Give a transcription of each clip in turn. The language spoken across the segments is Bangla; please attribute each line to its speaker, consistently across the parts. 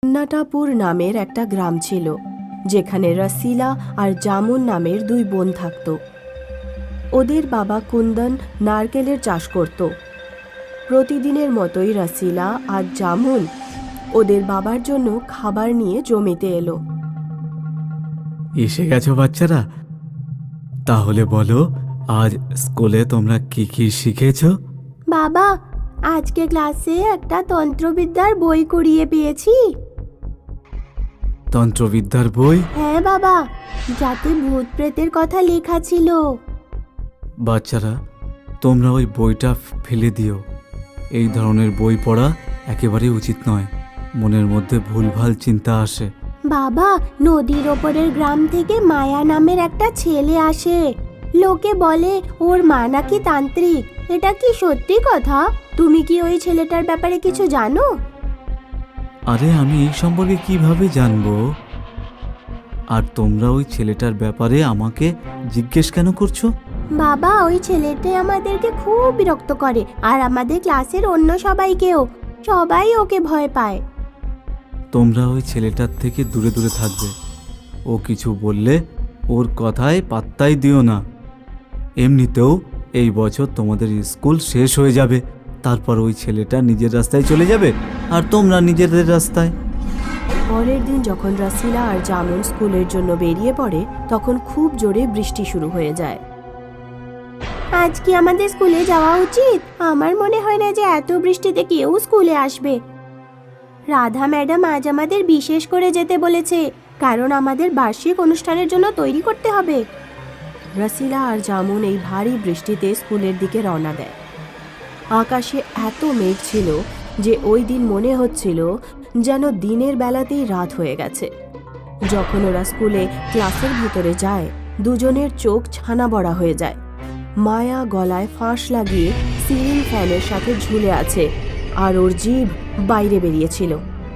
Speaker 1: কন্নাটাপুর নামের একটা গ্রাম ছিল, যেখানে রসিলা আর জামুন নামের দুই বোন থাকত। ওদের বাবা কুন্দন নারকেলের চাষ করত। প্রতিদিনের মতোই রসিলা আর জামুন ওদের বাবার জন্য খাবার নিয়ে জমিতে এলো।
Speaker 2: এসে গেছো বাচ্চারা? তাহলে বলো, আজ স্কুলে তোমরা কি কি শিখেছো?
Speaker 1: বাবা, আজকে ক্লাসে একটা তন্ত্রবিদ্যার বই কুড়িয়ে পেয়েছি।
Speaker 2: তন্ত্রবিদ্যার বই?
Speaker 1: হ্যাঁ বাবা, যাতে ভূত প্রেতের কথা লেখা ছিল।
Speaker 2: বাচ্চারা, তোমরা ওই বইটা ফেলে দিও। এই ধরনের বই পড়া একেবারে উচিত নয়। মনের মধ্যে ভুলভাল চিন্তা আসে।
Speaker 1: বাবা, নদীর ওপরের গ্রাম থেকে মায়া নামের একটা ছেলে আসে। লোকে বলে ওর মা নাকি তান্ত্রিক। এটা কি সত্যি কথা? তুমি কি ওই ছেলেটার ব্যাপারে কিছু জানো?
Speaker 2: আরে, আমি এই সম্পর্কে কিভাবে জানবো? আর তোমরা ওই ছেলেটার ব্যাপারে আমাকে জিজ্ঞেস কেন করছো?
Speaker 1: বাবা, ওই ছেলেটা আমাদেরকে খুব বিরক্ত করে, আর আমাদের ক্লাসের অন্য সবাইকেও। সবাই ওকে ভয় পায়।
Speaker 2: তোমরা ওই ছেলেটার থেকে দূরে দূরে থাকবে। ও কিছু বললে ওর কথায় পাত্তাই দিও না। এমনিতেও এই বছর তোমাদের স্কুল শেষ হয়ে যাবে। তারপর ওই ছেলেটা নিজের রাস্তায় চলে যাবে আর তোমরা নিজেদের রাস্তায়।
Speaker 1: পরের দিন যখন রসিলা আর জামুন স্কুলের জন্য বেরিয়ে পড়ে, তখন খুব জোরে বৃষ্টি শুরু হয়ে যায়। আজ কি আমাদের স্কুলে যাওয়া উচিত? আমার মনে হয় না যে এত বৃষ্টিতে কেউ স্কুলে আসবে। রাধা ম্যাডাম আজ আমাদের বিশেষ করে যেতে বলেছে, কারণ আমাদের বার্ষিক অনুষ্ঠানের জন্য তৈরি করতে হবে। রসিলা আর জামুন এই ভারী বৃষ্টিতে স্কুলের দিকে রওনা দেয়। আকাশে এত মেঘ ছিল যে ওই দিন মনে হচ্ছিল যেন দিনের বেলাতেই রাত হয়ে গেছে। যখন ওরা স্কুলে ক্লাসের ভিতরে যায়, দুজনের চোখ ছানা বড়া হয়ে যায়। মায়া গলায় ফাঁস লাগিয়ে সিলিং ফ্যানের সাথে ঝুলে আছে, আর ওর জিভ বাইরে বেরিয়েছিল।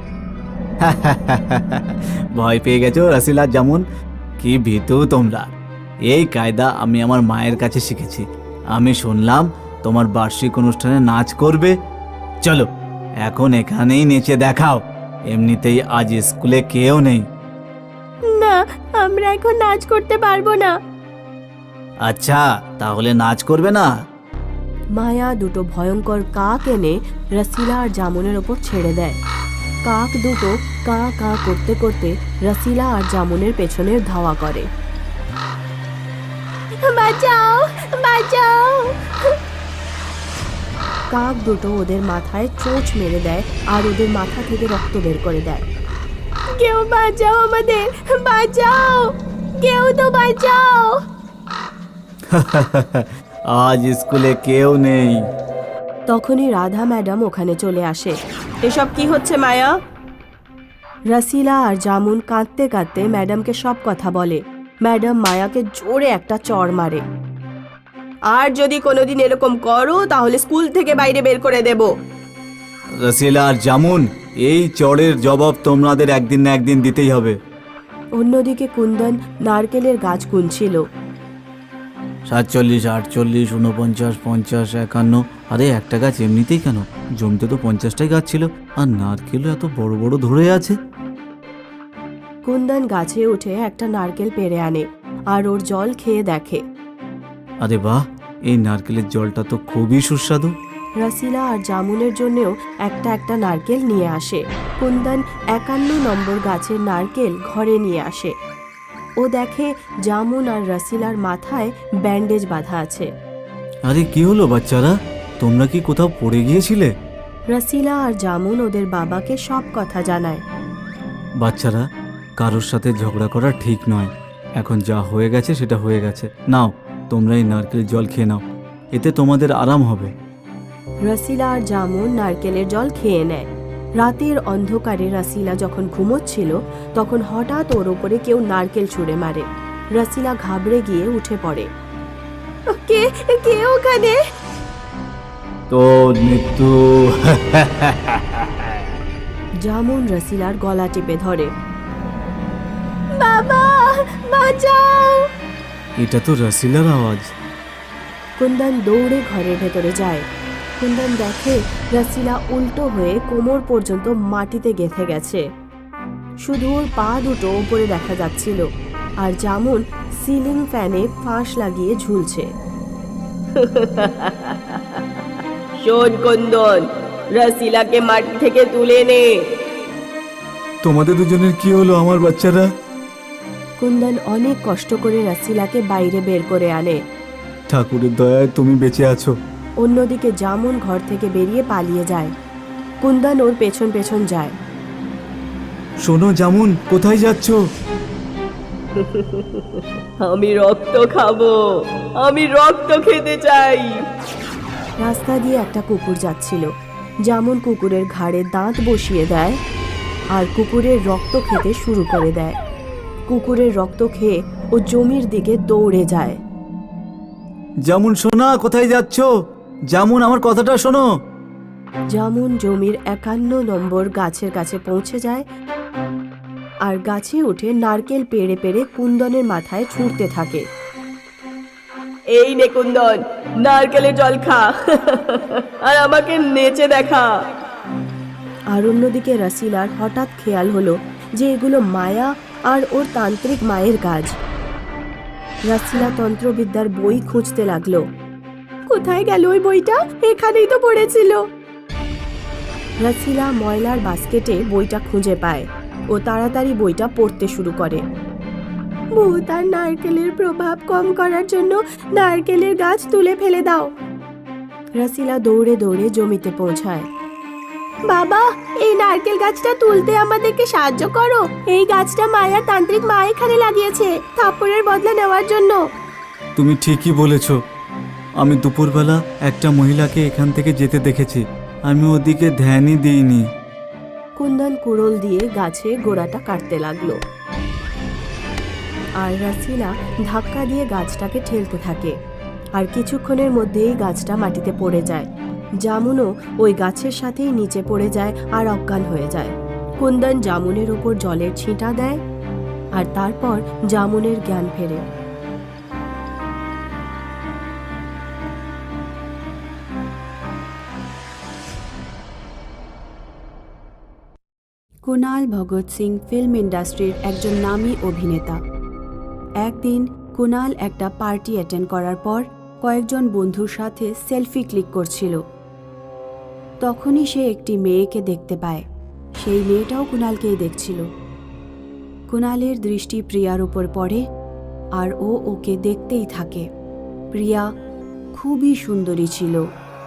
Speaker 2: ভয় পেয়ে গেছো রসিলা, যেমন কি ভীতু তোমরা! এই কায়দা আমি আমার মায়ের কাছে শিখেছি। আমি শুনলাম তোমার বার্ষিক অনুষ্ঠানে নাচ করবে। চলো, এখন এখানেই নেচে দেখাও। এমনিতেই আজ স্কুলে কেউ নেই।
Speaker 1: না, আমরা এখন নাচ করতে পারবো না।
Speaker 2: আচ্ছা, তাহলে নাচ করবে না?
Speaker 1: মায়া দুটো ভয়ঙ্কর কাক এনে রসিলা আর জামুনের ওপর ছেড়ে দেয়। কাক দুটো কা কা করতে করতে রসিলা আর জামুনের পেছনে ধাওয়া করে। বাঁচাও, বাঁচাও! কাক দুটো ওদের মাথায় চোঁচ মেরে দেয় আর ওদের মাথা থেকে রক্ত বের করে দেয়। কেউ বাঁচাও, আমাদের বাঁচাও! কেউ তো বাঁচাও!
Speaker 2: আজ স্কুলে কেউ নেই।
Speaker 1: তখনই রাধা ম্যাডাম ওখানে চলে আসে। এসব কি হচ্ছে মায়া? রসিলা আর জামুন কাঁদতে কাঁদতে ম্যাডামকে সব কথা বলে। ম্যাডাম মায়াকে জোরে একটা চড় মারে। আর যদি কোনোদিন এরকম করো তাহলে স্কুল থেকে বাইরে বের করে দেব।
Speaker 2: রসিলা আর জামুন, এই চড়ের জবাব তোমাদের একদিন না একদিন দিতেই হবে।
Speaker 1: অন্যদিকে কুন্দন নারকেলের গাছ গুনছিল।
Speaker 2: 47, 48, 49, 50, 51। আরে, একটা গাছ এমনিতেই কেন, জমিতে তো 50টাই গাছ ছিল, আর নারকেলও এত বড় বড় ধরে আছে।
Speaker 1: কুন্দন গাছে উঠে একটা নারকেল পেড়ে আনে আর ওর জল খেয়ে দেখে।
Speaker 2: আরে বাহ, এই নারকেলের জলটা তো খুবই সুস্বাদু।
Speaker 1: রসিলা আর জামুনের জন্যও একটা একটা নারকেল নিয়ে আসে। কুন্দন 51 নম্বর গাছের নারকেল ঘরে নিয়ে আসে। ও দেখে জামুন আর রসিলার মাথায় ব্যান্ডেজ বাঁধা আছে।
Speaker 2: আরে, কি হলো বাচ্চারা? তোমরা কি কোথাও পড়ে গিয়েছিলে?
Speaker 1: রসিলা আর জামুন ওদের বাবাকে সব কথা জানায়।
Speaker 2: বাচ্চারা, কারোর সাথে ঝগড়া করা ঠিক নয়। এখন যা হয়ে গেছে সেটা হয়ে গেছে। নাও, তোমরা এই নারকেলের জল খেয়ে নাও, এতে তোমাদের আরাম হবে।
Speaker 1: রসিলা আর জামুন নারকেলের জল খেয়ে নেয়। রাতের অন্ধকারে রসিলা যখন ঘুমোচ্ছিল, তখন হঠাৎ ওর ওপরে কেউ নারকেল ছুঁড়ে মারে। রসিলা ঘাবড়ে গিয়ে উঠে পড়ে। কে কে ওখানে?
Speaker 2: তো মৃত্যু।
Speaker 1: জামুন রসিলার গলা টিপে ধরে। বাবা, বাঁচাও!
Speaker 2: এটা তো রসিলার আওয়াজ।
Speaker 1: কুন্দন দৌড়ে ঘরের ভেতরে যায়। কুন্দন দেখে রসিলা উল্টো হয়ে কোমর পর্যন্ত মাটিতে গেঁথে গেছে। শুধু ওর পা দুটো উপরে দেখা যাচ্ছিল, আর জামুন সিলিং ফ্যানে ফাঁস লাগিয়ে ঝুলছে। শোন কুন্দন, রসিলাকে মাটি থেকে তুলে নে।
Speaker 2: তোমাদের দুজনের কি হলো আমার বাচ্চারা?
Speaker 1: কুন্দন অনেক কষ্ট করে রসিলাকে বাইরে বের করে আনে।
Speaker 2: ঠাকুরের দয়ায় তুমি বেঁচে আছো।
Speaker 1: অন্যদিকে জামুন ঘর থেকে বেরিয়ে পালিয়ে যায়। কুন্দন ওর পেছন পেছন যায়।
Speaker 2: শোনো জামুন, কোথায় যাচ্ছ?
Speaker 1: আমি রক্ত খাবো, আমি রক্ত খেতে চাই। রাস্তা দিয়ে একটা কুকুর যাচ্ছিল। জামুন কুকুরের ঘাড়ে দাঁত বসিয়ে দেয় আর কুকুরের রক্ত খেতে শুরু করে দেয়। কুকুরের রক্ত খেয়ে ও জমির দিকে দৌড়ে যায়।
Speaker 2: জামুন সোনা, কোথায় যাচ্ছ? জামুন, আমার কথাটা শোনো।
Speaker 1: জামুন জমির 51 নম্বর গাছের কাছে পৌঁছে যায় আর গাছে উঠে নারকেল পেড়ে পেড়ে কুন্দনের মাথায় ছুঁড়তে থাকে। এই নে কুন্দন, নারকেলের জল খা আর আমাকে নেচে দেখা। আর অন্যদিকে রসিলার হঠাৎ খেয়াল হলো যে এগুলো মায়া আর ওর তান্ত্রিক মায়ের কাজ। রসিলা তন্ত্রবিদ্যার বই খুঁজতে লাগলো। কোথায় গেল ওই বইটা? এখানেই তো পড়েছিল। রসিলা ময়লার বাস্কেটে বইটা খুঁজে পায় ও তাড়াতাড়ি বইটা পড়তে শুরু করে। ভূত আর নারকেলের প্রভাব কম করার জন্য নারকেলের গাছ তুলে ফেলে দাও। রসিলা দৌড়ে দৌড়ে জমিতে পৌঁছায়। বাবা, এই নারকেল গাছটা তুলতে আমাদেরকে সাহায্য করো। এই গাছটা মায়ার তান্ত্রিক মা এখানে লাগিয়েছে থাপ্পড়ের বদলা নেওয়ার জন্য।
Speaker 2: তুমি ঠিকই বলেছ। আমি দুপুরবেলা একটা মহিলাকে এখান থেকে যেতে দেখেছি। আমি ওদিকে ধ্যানই দিইনি।
Speaker 1: কুন্দন কুড়োল দিয়ে গাছে গোড়াটা কাটতে লাগলো আর রসিলা ধাক্কা দিয়ে গাছটাকে ঠেলতে থাকে। আর কিছুক্ষণের মধ্যেই গাছটা মাটিতে পড়ে যায়। জামুনও ওই গাছের সাথেই নিচে পড়ে যায় আর অজ্ঞান হয়ে যায়। কুন্দন জামুনের ওপর জলের ছিটা দেয় আর তারপর জামুনের জ্ঞান ফেরে। কুনাল ভগৎ সিং ফিল্ম ইন্ডাস্ট্রির একজন নামী অভিনেতা। একদিন কুনাল একটা পার্টি অ্যাটেন্ড করার পর কয়েকজন বন্ধুর সাথে সেলফি ক্লিক করছিল। তখনই সে একটি মেয়েকে দেখতে পায়। সেই মেয়েটাও কুনালকেই দেখছিল। কুনালের দৃষ্টি প্রিয়ার উপর পড়ে আর ও ওকে দেখতেই থাকে। প্রিয়া খুবই সুন্দরী ছিল।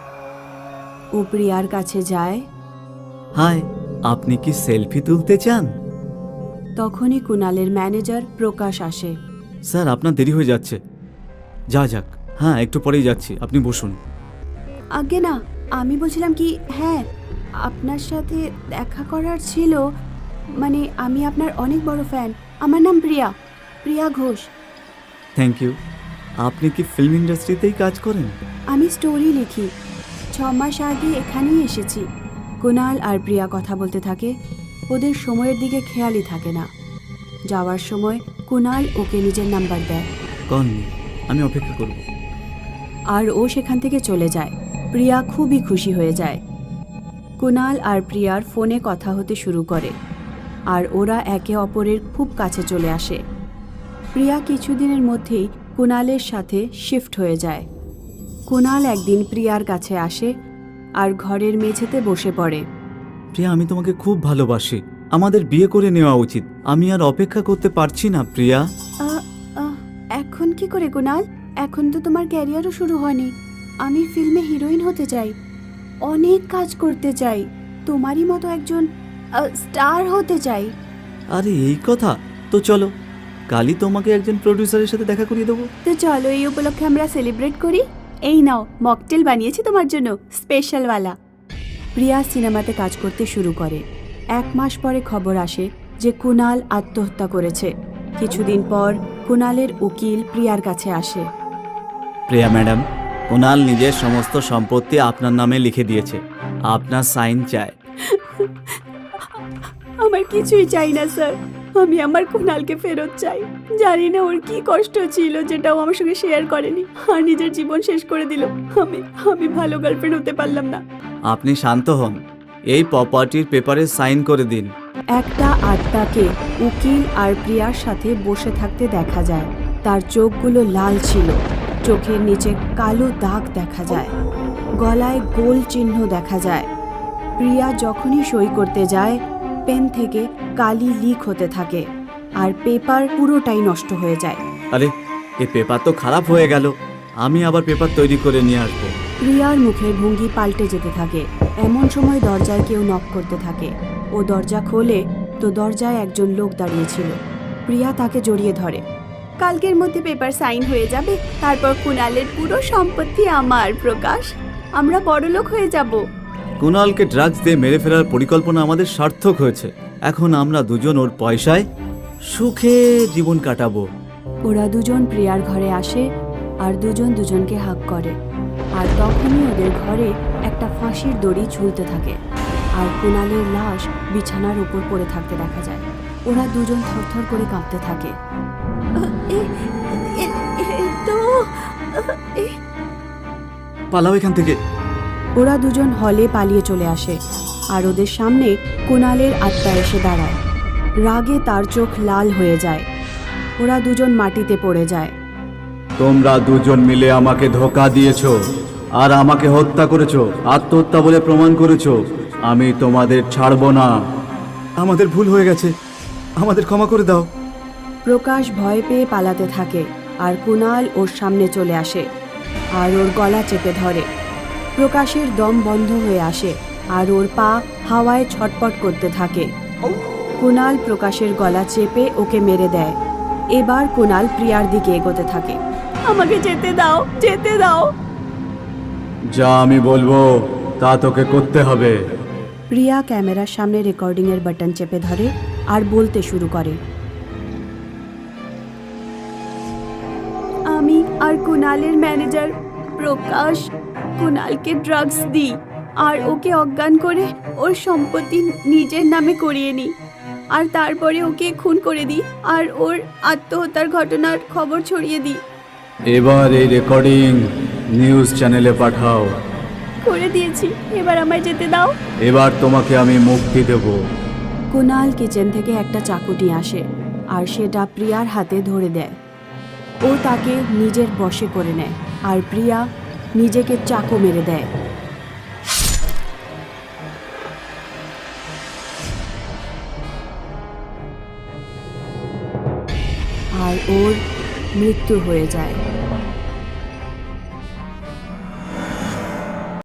Speaker 1: ও প্রিয়ার কাছে যায়।
Speaker 2: হাই, আপনি কি সেলফি তুলতে চান?
Speaker 1: তখনই কুনালের ম্যানেজার প্রকাশ আসে।
Speaker 2: স্যার, আপনার দেরি হয়ে যাচ্ছে। যাক, হ্যাঁ একটু পরেই যাচ্ছি, আপনি বসুন।
Speaker 1: আগে না, আমি বলছিলাম কি, হ্যাঁ আপনার সাথে দেখা করার ছিল। মানে আমি আপনার অনেক বড় ফ্যান। আমার নাম প্রিয়া ঘোষ।
Speaker 2: Thank you. আপনি কি ফিল্ম ইন্ডাস্ট্রিতেই কাজ করেন?
Speaker 1: আমি স্টোরি লিখি। 6 মাস আগে এখানেই এসেছি। কুনাল আর প্রিয়া কথা বলতে থাকে। ওদের সময়ের দিকে খেয়ালই থাকে না। যাওয়ার সময় কুনাল ওকে নিজের নাম্বার দেয়।
Speaker 2: কন, আমি অপেক্ষা করব।
Speaker 1: আর ও সেখান থেকে চলে যায়। প্রিয়া খুবই খুশি হয়ে যায়। কুনাল আর প্রিয়ার ফোনে কথা হতে শুরু করে আর ওরা একে অপরের খুব কাছে চলে আসে। প্রিয়া কিছুদিনের মধ্যেই কুনালের সাথে শিফট হয়ে যায়। কুনাল একদিন প্রিয়ার কাছে আসে আর ঘরের মেঝেতে বসে পড়ে।
Speaker 2: প্রিয়া, আমি তোমাকে খুব ভালোবাসি। আমাদের বিয়ে করে নেওয়া উচিত। আমি আর অপেক্ষা করতে পারছি না প্রিয়া।
Speaker 1: এখন কি করে কুনাল? এখন তো তোমার ক্যারিয়ারও শুরু হয়নি। আমি ফিল্মে হিরোইন হতে চাই, অনেক কাজ করতে চাই, তোমারই মতো একজন স্টার হতে চাই।
Speaker 2: আরে এই কথা? তো চলো, কালই তোমাকে একজন প্রডিউসারের সাথে দেখা করিয়ে দেবো।
Speaker 1: তো চলো, এই উপলক্ষে আমরা সেলিব্রেট করি। এই নাও, মকটেল বানিয়েছি তোমার জন্য, স্পেশালওয়ালা। প্রিয়া সিনেমাতে কাজ করতে শুরু করে। 1 মাস পরে খবর আসে যে কুনাল আত্মহত্যা করেছে। কিছুদিন পর কুনালের উকিল প্রিয়ার কাছে আসে।
Speaker 2: প্রিয়া ম্যাডাম, কুনাল নিজের সমস্ত সম্পত্তি আপনার নামে লিখে দিয়েছে। আপনার সাইন চায়।
Speaker 1: আমার কিছুই চাই না স্যার। আমি আমার কুনালকে ফেরত চাই। জানি না ওর কি কষ্ট ছিল যেটা ও আমার সঙ্গে শেয়ার করেনি আর নিজের জীবন শেষ করে দিল। আমি ভালো গার্লফ্রেন্ড হতে পারলাম না।
Speaker 2: আপনি শান্ত হন। এই প্রপার্টির পেপারে সাইন করে দিন।
Speaker 1: একটা আত্মাকে উকিল আর প্রিয়ার সাথে বসে থাকতে দেখা যায়। তার চোখগুলো লাল ছিল, চোখের নিচে কালো দাগ দেখা যায়, গলায় গোল চিহ্ন দেখা যায়। প্রিয়া যখনই সই করতে যায় পেন থেকে কালি লিক হতে থাকে আর পেপার পুরোটাই নষ্ট হয়ে যায়।
Speaker 2: আরে এই পেপার তো খারাপ হয়ে গেল, আমি আবার পেপার তৈরি করে নিয়ে আসবো।
Speaker 1: প্রিয়ার মুখের ভঙ্গি পাল্টে যেতে থাকে। এমন সময় দরজায় কেউ নক করতে থাকে। ও দরজা খোলে তো দরজায় একজন লোক দাঁড়িয়েছিল। প্রিয়া তাকে জড়িয়ে ধরে। কালকের মধ্যে পেপার সাইন হয়ে যাবে, তারপর কুণালের পুরো সম্পত্তি আমার। প্রকাশ, আমরা বড়লোক হয়ে যাব।
Speaker 2: কুণালকে ড্রাগস দিয়ে মেরে ফেরার পরিকল্পনা আমাদের সার্থক হয়েছে। এখন আমরা দুজন ওর পয়সায় সুখে জীবন কাটাবো।
Speaker 1: ওরা দুজন প্রিয়ার ঘরে আসে আর দুজন দুজনকে হাগ করে। আর তখনই ওদের ঘরে একটা ফাঁসির দড়ি ঝুলতে থাকে আর কুণালের লাশ বিছানার উপর পড়ে থাকতে দেখা যায়। ওরা দুজন থরথর করে কাঁপতে থাকে।
Speaker 2: পালাও এখান থেকে।
Speaker 1: ওরা দুজন হলে পালিয়ে চলে আসে আর ওদের সামনে কুণালের আত্মা এসে দাঁড়ায়। রাগে তার চোখ লাল হয়ে যায়। ওরা দুজন মাটিতে পড়ে যায়।
Speaker 2: তোমরা দুজন মিলে আমাকে ধোঁকা দিয়েছো আর আমাকে হত্যা করেছো, আত্মহত্যা বলে প্রমাণ করেছো। আমি তোমাদের ছাড়বো না। আমাদের ভুল হয়ে গেছে, আমাদের ক্ষমা করে দাও।
Speaker 1: প্রকাশ ভয় পেয়ে পালাতে থাকে আর কুণাল ওর সামনে চলে আসে আর ওর গলা চেপে ধরে। প্রকাশের দম বন্ধ হয়ে আসে আর ওর পা হাওয়ায় ছটপট করতে থাকে। কুণাল প্রকাশের গলা চেপে ওকে মেরে দেয়। এবার কুণাল প্রিয়ার দিকে এগোতে থাকে। আমাকে যেতে দাও, যেতে দাও।
Speaker 2: যা আমি বলবো তা তোকে করতে হবে।
Speaker 1: প্রিয়া ক্যামেরার সামনে রেকর্ডিংয়ের বাটন চেপে ধরে আর বলতে শুরু করে। আমি আর কুণালের ম্যানেজার প্রকাশ কুণালকে ড্রাগস দিই আর ওকে অজ্ঞান করে ওর সম্পত্তি নিজের নামে করিয়ে নিই আর তারপরে ওকে খুন করে দিই আর ওর আত্মহত্যার ঘটনার খবর ছড়িয়ে দিই।
Speaker 2: এবার এই রেকর্ডিং নিউজ চ্যানেলে পাঠাও।
Speaker 1: করে দিয়েছি, এবার আমায় যেতে দাও।
Speaker 2: এবার তোমাকে আমি মুক্তি দেব।
Speaker 1: কুণাল কিচেন থেকে একটা চাকু নিয়ে আসে আর সেটা প্রিয়ার হাতে ধরে দেয়। ও তাকে নিজের বশে করে নেয় আর প্রিয়া নিজেকে চাকু মেরে দেয়। আর ওর মৃত্যু হয়ে যায়।